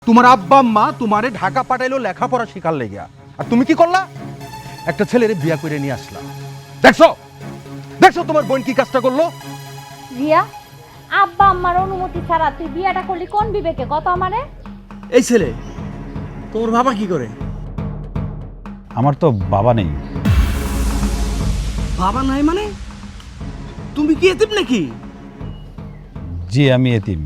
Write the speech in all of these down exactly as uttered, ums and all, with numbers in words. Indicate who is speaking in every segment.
Speaker 1: তোমার আব্বা আম্মা তোমারে ঢাকা পাঠাইলো লেখাপড়া শিখার লেগিয়া, আর তুমি কি করলা? একটা ছেলেরে বিয়া করে নিয়ে আসলা। দেখছো দেখছো তোমার বোন কি কাজটা করলো?
Speaker 2: রিয়া, আব্বা আম্মার অনুমতি ছাড়া তুই বিয়াটা করলি কোন বিবেকে কত আমারে?
Speaker 3: এই ছেলে তোর বাবা কি করে?
Speaker 4: আমার তো বাবা নেই।
Speaker 3: বাবা নাই মানে? তুমি কি এতিম নাকি?
Speaker 4: জি, আমি এতিম।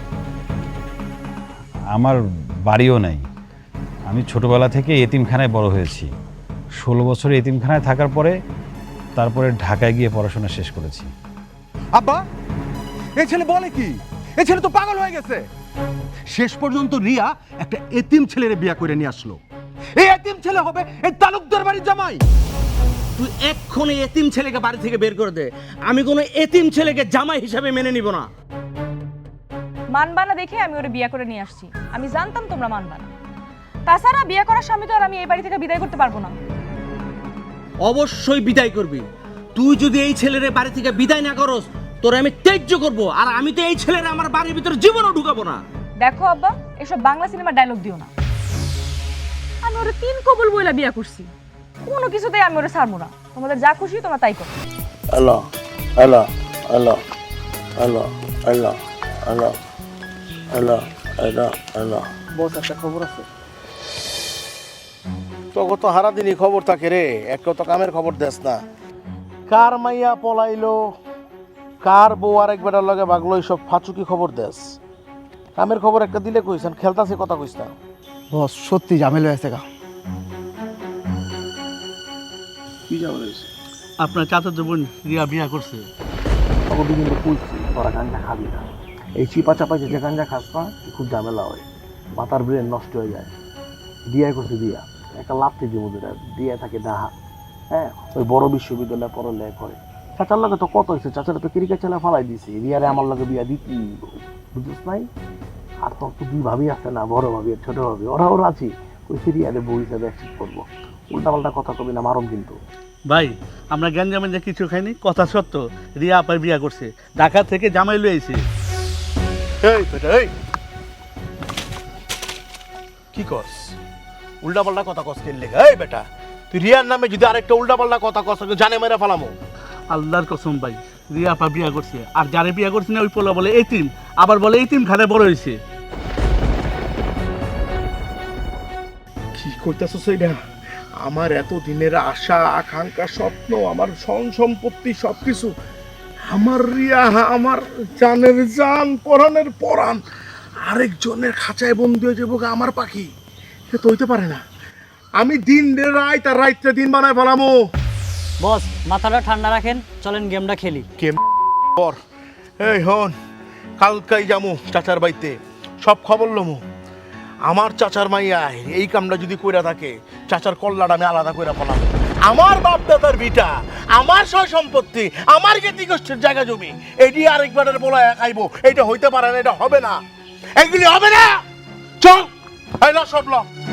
Speaker 4: আমার বাড়িও নাই। আমি ছোটবেলা থেকে এতিমখানায় বড় হয়েছি। ষোলো বছর এতিমখানায় থাকার পরে তারপরে ঢাকায় গিয়ে পড়াশোনা শেষ করেছি।
Speaker 1: আব্বা, এই ছেলে বলে কি? এই ছেলে তো পাগল হয়ে গেছে। শেষ পর্যন্ত রিয়া একটা এতিম ছেলেরে বিয়া করে নিয়ে আসলো। এই এতিম ছেলে হবে এই তালুকদার বাড়ির জামাই।
Speaker 3: তুই এক্ষুনি এতিম ছেলেকে বাড়ি থেকে বের করে দে। আমি কোনো এতিম ছেলেকে জামাই হিসাবে মেনে নিব না।
Speaker 5: মানবা না দেখে আমি ওরে বিয়ে করে নিয়ে আসছি। আমি জানতাম তোমরা মানবা না। তাছাড়া বিয়ে করার স্বামী তো আর আমি এই বাড়ি থেকে বিদায় করতে পারবো না।
Speaker 3: অবশ্যই বিদায় করবি। তুই যদি এই ছেলেরে বাড়ি থেকে বিদায় না করস, তোরে আমি ত্যায্য করব। আর আমি তো এই ছেলেরে আমার বাড়ির ভিতরে জীবনও ঢুকাবো না।
Speaker 5: দেখো আব্বা, এসব বাংলা সিনেমার ডায়লগ দিও না। আমি ওরে তিন কবুল বইলা বিয়ে করছি, কোনো কিছুতেই আমি ওরে ছাড়বো না। তোমাদের যা খুশি তোমরা তাই করো।
Speaker 6: Hello hello hello hello hello hello hello hello hello
Speaker 3: boss, একটা খবর আছে।
Speaker 6: তোকে তো হারা দিনই খবর থাকে রে, একটা তো কামের খবর দেস না। কার মাইয়া পলাইলো, কার বউ আর এক বেটার লগে বাগলো, এইসব ফাচুকি খবর দেস। কামের খবর একটা দিলে কইছেন, খেলতাছে কথা কইস না।
Speaker 7: বস সত্যি ঝামেলা হয়েছে গা।
Speaker 6: কি যাবে রয়েছে?
Speaker 3: আপনার চাচাতো বোন রিয়া বিয়া করছে।
Speaker 6: তোকে দুদিন তো কইছি তোরা গাঞ্জা খাবি না। এই চিপা চাপাই যে গাঞ্জা খাস না, খুব ঝামেলা হয়, মাথার ব্রেন নষ্ট হয়ে যায়। দিয়া করছে দিয়া একটা লাভতে দিব দুটা দিয়া থাকে ডাহা। হ্যাঁ, ওই বড় বিশ্ববিদ্যালয়ে পড়ালেখা করে। চাচার লগে তো কত হয়েছে, চাচারা তো ক্রিকেট খেলা ফালাই দিছি, রিয়ারে আমার লগে বিয়া দিতি, বুঝছিস নাই? আর তোর তো দুই ভাবি আছে না, বড় ভাবি আর ছোট ভাবি, ওরা ওরা আছি। ওই রিয়ারে বউ হিসাবে অ্যাকসেপ্ট করবো। উল্টা পাল্টা কথা কবি না, মারম কিন্তু।
Speaker 8: ভাই, আমরা গ্যাঞ্জামেঞ্জা কিছু খাইনি, কথা সত্য। রিয়া আপার বিয়া করছে, ঢাকা থেকে জামাই লয়ে আইছে।
Speaker 6: এই বেটা, এই কি কস? উল্টা পাল্টা কথা কস কেন লেগে? এই বেটা, তুই রিয়ার নামে যদি আরেকটা উল্টা পাল্টা কথা কস, জানে মেরে ফেলামো।
Speaker 8: আল্লাহর কসম ভাই, রিয়া আপা বিয়া করছে। আর যারে বিয়া করছে না ওই পোলা বলে এতিম, আবার বলে এতিম খানে বড় হয়েছে।
Speaker 6: কি করতেছো সেইটা? আমার এত দিনের আশা আকাঙ্ক্ষা স্বপ্ন, আমার ধন সম্পত্তি সবকিছু, আমার রিয়া, আমার জানের জান, পরাণের পরাণ, আরেকজনের খাঁচায় বন্দি হয়ে যাবো আমার পাখি। সে তো হইতে পারে না। আমি দিন রাত আর রাইতে দিন বানায় ফেলামো।
Speaker 9: বস, মাথাটা ঠান্ডা রাখেন, চলেন গেমটা খেলি।
Speaker 6: কেম পর এই হন, কালকাই যামু চাচার বাড়িতে, সব খবর লমু। আমার চাচার মাইয়া এই কামটা যদি কইরা থাকে, চাচার কল্লাটা আমি আলাদা কইরা ফেলাম। আমার বাপ দাদার ভিটা, আমার সয় সম্পত্তি, আমার জ্ঞাতি গোষ্ঠীর জায়গা জমি, এটি আরেকবারের বলা খাইবো, এটা হইতে পারে না, এটা হবে না, এগুলি হবে না। চল, এই না সব ল।